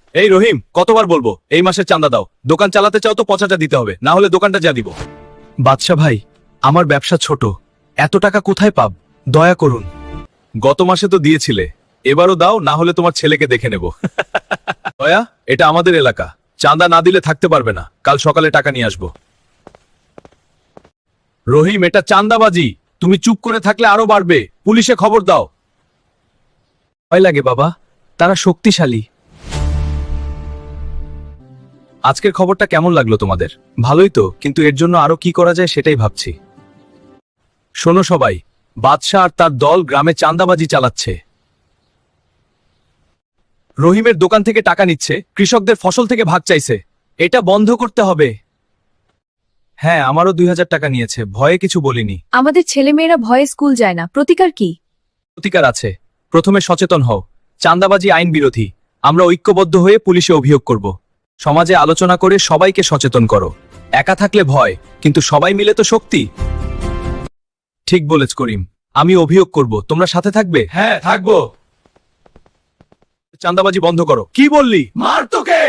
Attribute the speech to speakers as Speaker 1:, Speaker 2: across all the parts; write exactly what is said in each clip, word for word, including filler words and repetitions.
Speaker 1: এই রহিম, কতবার বলবো এই মাসের চাঁদা দাও? দোকান চালাতে চাও তো পচাটা দিতে হবে, না হলে দোকানটা যা দিব। বাদশা ভাই, আমার ব্যবসা ছোট, এত টাকা কোথায় পাব? দয়া করুন। গত মাসে তো দিয়েছিলে, এবারও দাও, না হলে তোমার ছেলেকে দেখে নেব। দয়া, এটা আমাদের এলাকা, চাঁদা না দিলে থাকতে পারবে না, কাল সকালে টাকা নিয়ে আসবো। রহিম, এটা চাঁদাবাজি, তুমি চুপ করে থাকলে আরো বাড়বে, পুলিশে খবর দাও। ভয় লাগে বাবা, তারা শক্তিশালী। আজকের খবরটা কেমন লাগলো তোমাদের? ভালোই তো, কিন্তু এর জন্য আরো কি করা যায় সেটাই ভাবছি। শোনো সবাই, বাদশা আর তার দল গ্রামে চাঁদাবাজি চালাচ্ছে। রহিমের দোকান থেকে টাকা নিচ্ছে, কৃষকদের ফসল থেকে ভাগ চাইছে। এটা বন্ধ করতে হবে। হ্যাঁ, আমারও দুই হাজার টাকা নিয়েছে, ভয়ে কিছু বলিনি।
Speaker 2: আমাদের ছেলেমেয়েরা ভয়ে স্কুল যায় না, প্রতিকার কি?
Speaker 1: প্রতিকার আছে। প্রথমে সচেতন হও, চাঁদাবাজি আইন বিরোধী। আমরা ঐক্যবদ্ধ হয়ে পুলিশে অভিযোগ করব। সমাজে আলোচনা করে সবাইকে সচেতন করো। একা থাকলে ভয়, কিন্তু সবাই মিলে তো শক্তি। ঠিক বলেছ করিম, আমি অভিযোগ করব, তোমরা সাথে থাকবে? হ্যাঁ, থাকবো। চাঁদাবাজি বন্ধ করো। কি বললি? মার তোকে।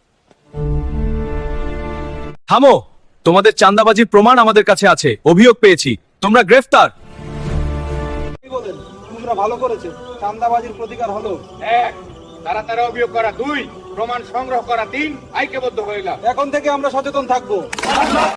Speaker 1: থামো, তোমাদের চাঁদাবাজির প্রমাণ আমাদের কাছে আছে, অভিযোগ পেয়েছি, তোমরা গ্রেফতার।
Speaker 3: কি বলেন? তোমরা ভালো করেছে, চাঁদাবাজির প্রতিকার হলো।
Speaker 4: এক, তাড়াতাড়ি অভিযোগ করা। দুই, প্রমাণ সংগ্রহ করা। তিন, ঐক্যবদ্ধ হয়ে গেলাম।
Speaker 3: এখন থেকে আমরা সচেতন থাকবো।